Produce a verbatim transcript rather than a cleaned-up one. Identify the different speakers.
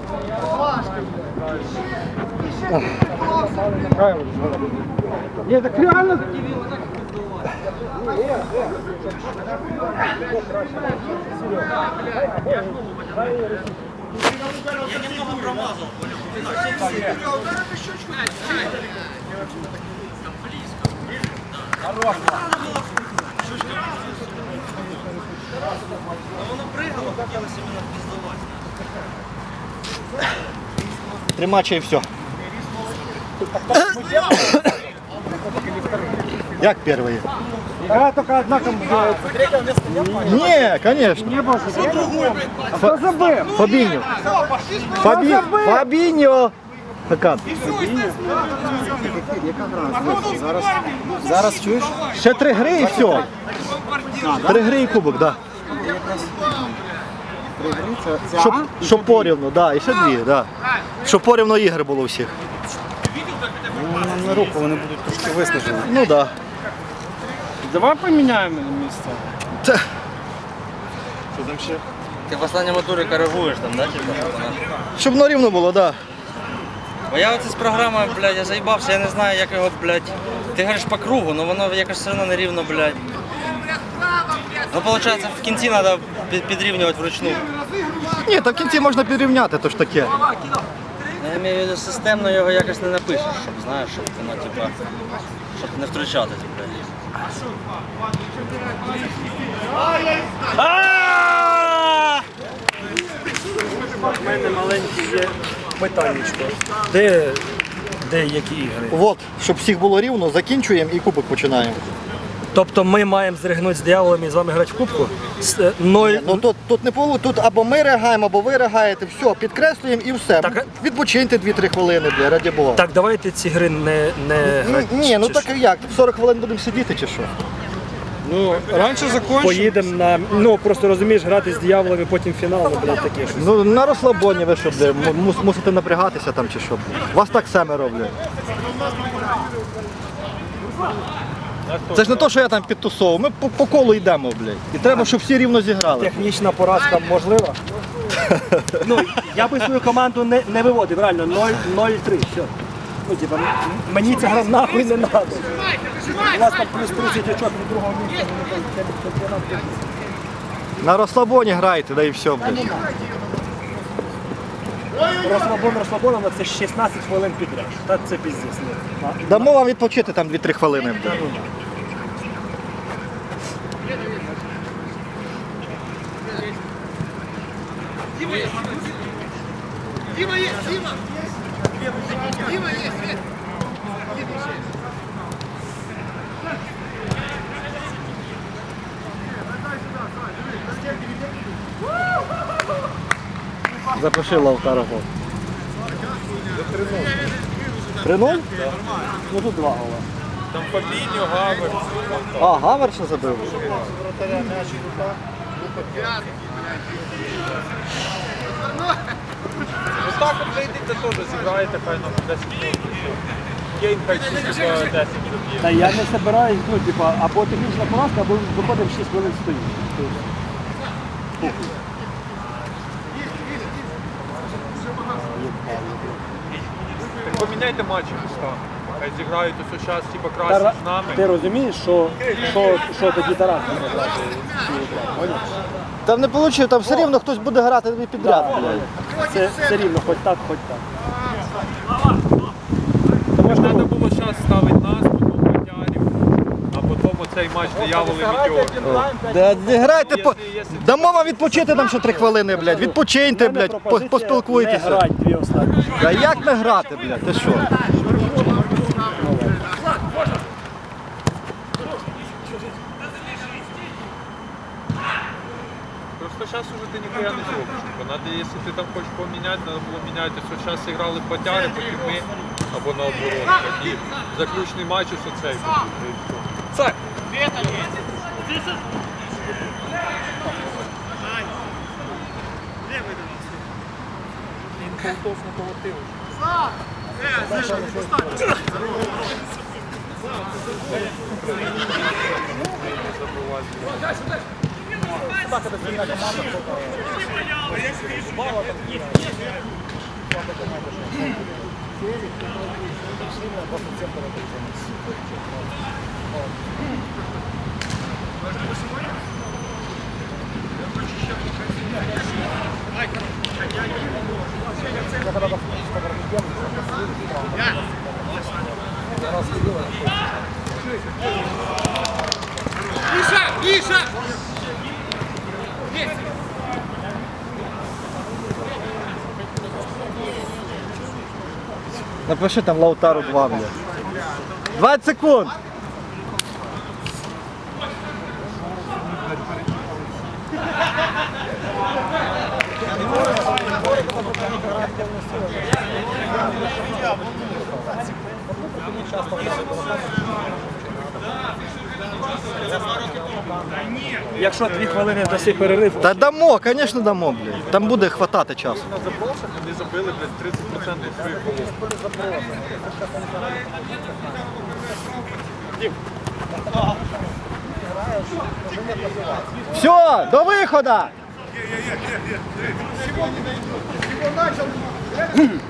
Speaker 1: Ні, так реально.
Speaker 2: Я немного промазал, понял? Воно пригало, хотілося мене піздувати.
Speaker 3: Три матча і все. Як перший?
Speaker 1: Игра только одна команда.
Speaker 3: Ні, звісно.
Speaker 1: Не было. А кто забыл?
Speaker 3: Фабіньо. Фабі... Фабіньо. Хакан.
Speaker 1: Зараз, зараз чуєш?
Speaker 3: Ще три гри і все. Три гри і кубок, так. Да. Щоб, щоб порівну, да, і ще дві, да. Щоб порівну ігри було у всіх.
Speaker 1: Нам на руку вони будуть трошки виснажені.
Speaker 3: Ну так. Да.
Speaker 1: Давай поміняємо місце.
Speaker 3: Та.
Speaker 1: Що там ще?
Speaker 2: Ти в останньому турі коригуєш там, да? Типа, щоб вона...
Speaker 3: Щоб на рівно було, так. Да.
Speaker 2: Бо я оце з програмою, блядь, я заїбався, я не знаю, як його, блядь, ти говориш по кругу, але воно якось все одно нерівно, блядь. Ну, виходить, в кінці треба підрівнювати вручну.
Speaker 3: Ні, та в кінці можна підрівняти, то ж таке.
Speaker 2: Я маю в виду, системно його якось не напишеш, щоб, знаєш, щоб воно, типа, щоб не втручатись, блядь.
Speaker 4: У мене маленьке є питаннячко. Де, де які ігри?
Speaker 3: От, щоб всіх було рівно, закінчуємо і кубок починаємо.
Speaker 4: Тобто ми маємо зригнути з дияволами і з вами грати в кубку? З, е, ноль...
Speaker 3: Ну тут, тут не було, тут або ми реагаємо, або ви реагаєте, все, підкреслюємо і все.
Speaker 4: Так,
Speaker 3: Відпочиньте дві-три хвилини, бля, раді Бога.
Speaker 4: Так, давайте ці гри не, не
Speaker 3: Ні,
Speaker 4: грати.
Speaker 3: ні, ну
Speaker 4: чи
Speaker 3: так
Speaker 4: що?
Speaker 3: як, сорок хвилин будемо сидіти чи що?
Speaker 1: Ну, раніше закончимо.
Speaker 4: Поїдемо на, ну просто розумієш, грати з дияволами, потім фінал, ну, блядь, таке щось.
Speaker 3: Ну на розслабоні ви що, бля, мус, мусите напрягатися там чи що. Бля. Вас так семеро, бля. Це ж не то, що я там підтусовував, ми по, по колу йдемо, блядь. І треба, щоб всі рівно зіграли.
Speaker 4: Технічна поразка можлива? Ну, я би свою команду не, не виводив, реально, нуль три, все. Ну, типа, м- мені ця гра нахуй не треба. У вас там плюс тридцять очок від другого місця. ну, це чемпіонат тижня.
Speaker 3: На розслабоні грайте, да і все, блядь.
Speaker 4: Розслабон розслабоном, це шістнадцять хвилин підряд. Та це піздець. ну. А-
Speaker 3: Дамо вам відпочити там дві-три хвилини, блядь. Запиши Лавтара гол. три нуль?
Speaker 4: Ну тут два гола.
Speaker 1: Там Фабіньо, Гавер.
Speaker 3: А, Гавер ще забив.
Speaker 1: Ну так от вийдете теж, зіграєте, хай нам десять минут. Кейн хай всі десять минут.
Speaker 4: Та я не збираюсь, ну, типа, або технічна поразка, або виходимо шість хвилин стоїть.
Speaker 1: Так поміняйте матчі міста. Хай зіграють ось час, типа
Speaker 4: Тара...
Speaker 1: краще з нами.
Speaker 4: Ти розумієш, що, що, що тоді Тарас буде грати? Поняв?
Speaker 3: Там не вийшло, там все рівно хтось буде грати тобі підряд, блядь.
Speaker 4: Це все рівно, хоч так, хоч так.
Speaker 1: Тому що треба було час ставити нас, потім Матярів, а потім оцей матч дияволи Мітьор.
Speaker 3: Да, не грайте, по... дамо вам відпочити там ще три хвилини, блядь. Відпочиньте, блядь, по-
Speaker 4: Пропозиція
Speaker 3: поспілкуйтеся.
Speaker 4: Не грати дві останні.
Speaker 3: А як не грати, блядь, ти що?
Speaker 1: Просто зараз уже ти ніхуя не зробиш. Типа, надо, якщо ти там хочеш поміняти, треба було міняти. Ось зараз зіграли Батяри, потім ми, або наоборот. І заключний матч ось оцей. Це! Полтос на колотив.
Speaker 3: Напиши там Лаутару два, блядь. двадцять секунд.
Speaker 4: Якщо дві хвилини даси перерив,
Speaker 3: Та дамо, звісно дамо, блядь. Там буде хватати часу.
Speaker 1: На забросах вони забили, блядь, тридцять відсотків своїх голів.
Speaker 3: Все, до виходу!